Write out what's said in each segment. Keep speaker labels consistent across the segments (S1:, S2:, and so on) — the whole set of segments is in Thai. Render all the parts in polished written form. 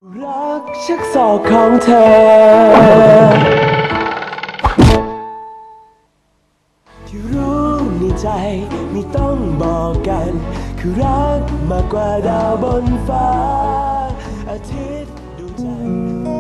S1: รักชักศอกของเธอที่รู้ในใจไม่ต้องบอกกันคือรักมากกว่าดาวบนฟ้าอาทิตย์ดวงจันทร์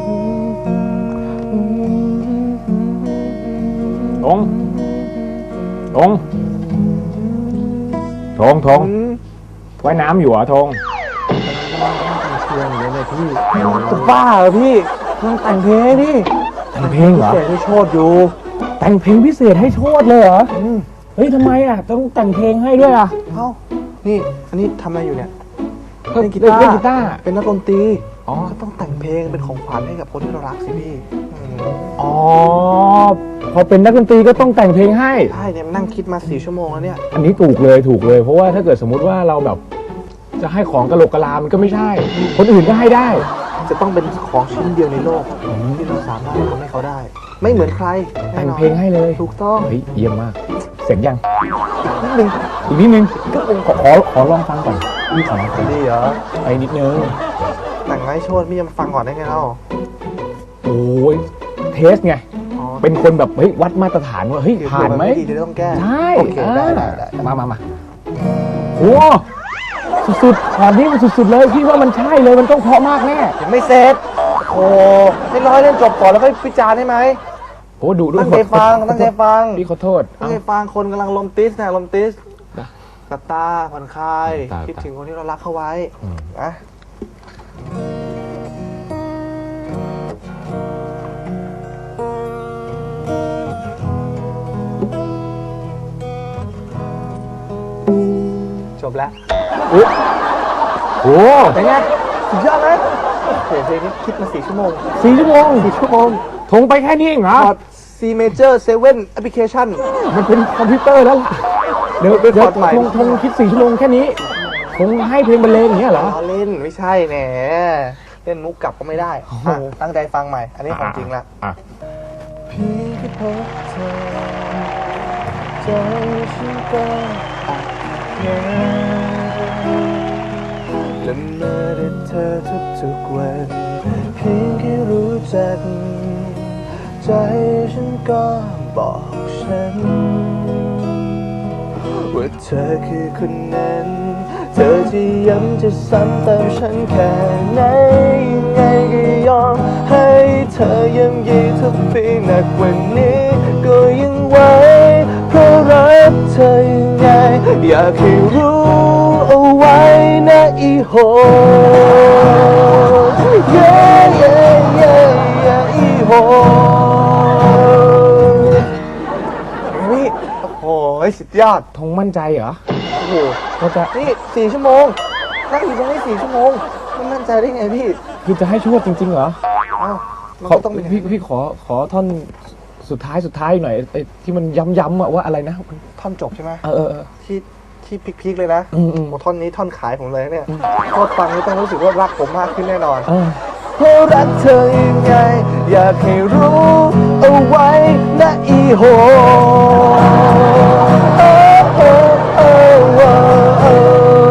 S2: ทงว่ายน้ำอยู่เหรอทง
S3: เชียร์อย่างเงี้ยเลยพี่จะบ้าเหรอพี่มันแต่งเพลงนี่
S2: แต่งเพลงเหรอ
S3: เสียให้โชดอยู่
S2: แต่งเพลงพิเศษให้โชดเลยเหรอเฮ้ยทำไมอ่ะต้องแต่งเพลงให้ด้วยอ่ะ
S3: เอ้านี่อันนี้ทำอะไรอยู่เนี่ย
S2: ก็
S3: เล่นกี
S2: เล่น
S3: ตาร์
S2: กีตาร์
S3: เป็นนักดนตรี
S2: อ๋อ
S3: ก็ต้องแต่งเพลงเป็นของขวัญให้กับคนที่เรารักสิพี่
S2: อ๋อพอเป็นนักดนตรีก็ต้องแต่งเพลงให้
S3: ใช่เนี่ยนั่งคิดมา4 ชั่วโมงแล้วเนี่ย
S2: อันนี้ถูกเลยเพราะว่าถ้าเกิดสมมุติว่าเราแบบจะให้ของกะโหลกกะลามันก็ไม่ใช่ คนอื่นก็ให้ได้
S3: จะต้องเป็นของชิ้นเดียวในโลกที่เราสามารถทำให้เขาได้ ไม่เหมือนใคร
S2: แต่งเพลงให้เลย
S3: ถูกต้อง
S2: เฮ้ยเยี่ยมมากเสร็จยัง
S3: นิดนึง
S2: อีกนิดนึงขอลองฟังก่อนขอลองฟัง
S3: ดีเหรอ
S2: ไปนิดนึง
S3: แต่งไว้โชดพี่จะมาฟังก่อนได้ไงเล่า
S2: โอ้ยเทสไง
S3: อ๋อ
S2: เป็นคนแบบเฮ้ยวัดมาตรฐานว่าเฮ้ยผ่านไหม
S3: ดีที่ต้องแก้
S2: ใช่
S3: โอเคได้
S2: มาโอ้สุดๆขอนี้มันสุดๆเลยพี่ว่ามันใช่เลยมันต้องเพราะมากแน่
S3: ยังไม่เสร็จโอ้ให้ร้อยเล่นจบก่อนแล้วค่อยพิจารณ์ได้ไหม
S2: โอ้ดู
S3: ตั้งใจฟัง
S2: พี่ขอโทษ
S3: ตั้งใจฟังคนกำลังลมติสนะลมติส
S2: นะ
S3: สตาร์ผ่อนคลาย
S2: ตา
S3: คิดถึงคนที่เรารักเข้าไว้
S2: อืม
S3: นะจบแล้ว
S2: โอ้
S3: เป็นไงสุดยอดไหมโอ้โหเพลงนี้คิดมา4 ชั่วโมง
S2: 4 ชั่วโมง
S3: 4 ชั่วโมง
S2: ทงไปแค่นี้เองเหรอ
S3: พอร์ต C Major 7 Application
S2: มันเป็นคอมพิวเตอร์แล้วล่ะเดี๋ยว
S3: เป็นพอร์ตใหม่
S2: ทงคิด4 ชั่วโมงแค่นี้ทงให้เพลงบรรเลงอย่างเงี้ยเหรอ
S3: ล้อเล่นไม่ใช่แหนเล่นมุกกลับก็ไม่ได้
S2: โอ้โห
S3: อ่ะตั้งใจฟังใหม่ อันนี้ของจริงละ
S2: อ่ะ
S3: พี่ที่พบเธอใจฉันก็อักแน่และเมื่อได้เธอทุกๆวันเพียงแค่รู้จักใจฉันก็บอกฉันว่าเธอคือคนนั้น เธอจะย้ำจะซ้ำเติมฉันแค่ไหนยังไงก็ยอมให้เธอย้ำยีทุกปีหนักกว่านี้ก็ยังไหวเพราะรักเธอยังไงอยากให้รู้เอาไว้นะอีโหเย่เย่เย่เย่อีโหนี่โอ้โหสุดยอด
S2: ทงมั่นใจเหรอ
S3: โอ้โห
S2: ว่าจะ
S3: นี่4 ชั่วโมงนั่งอยู่ตรงนี้4 ชั่วโมงไม่มั่นใจได้ไงพี่
S2: คือจะให้โชดจริงๆเหรอ
S3: อ้าวมัน
S2: ขอ
S3: ก็ต้องเป็น
S2: พี่ขอท่อนสุดท้ายหน่อยไอ้ที่มันย้ำๆอะว่าอะไรนะ
S3: ท่อนจบใช่ไหม
S2: เออ
S3: ที่พีคๆเลยนะ
S2: อืม
S3: โอ้ท่อนนี้ท่อนขายผมเลยเนี่ยพอฟังนี่ต้องรู้สึกว่ารักผมมากขึ้นแน่นอน
S2: เออ
S3: เพราะรักเธอยังไง อยากให้รู้เอาไว้นะอีโหโอ้โอ้โอ้โอ้โอ้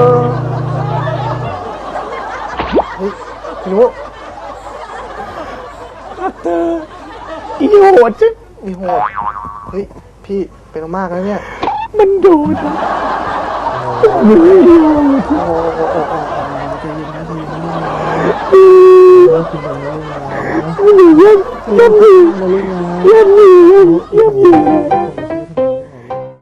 S3: เฮ้ยพี่นุ๊ก
S2: อีโหดจึ๊
S3: มีโหดเฮ้ย พี่เป็นมากแล้วเนี่ย
S2: มันโดน
S3: โอ้โห
S2: ย่ำ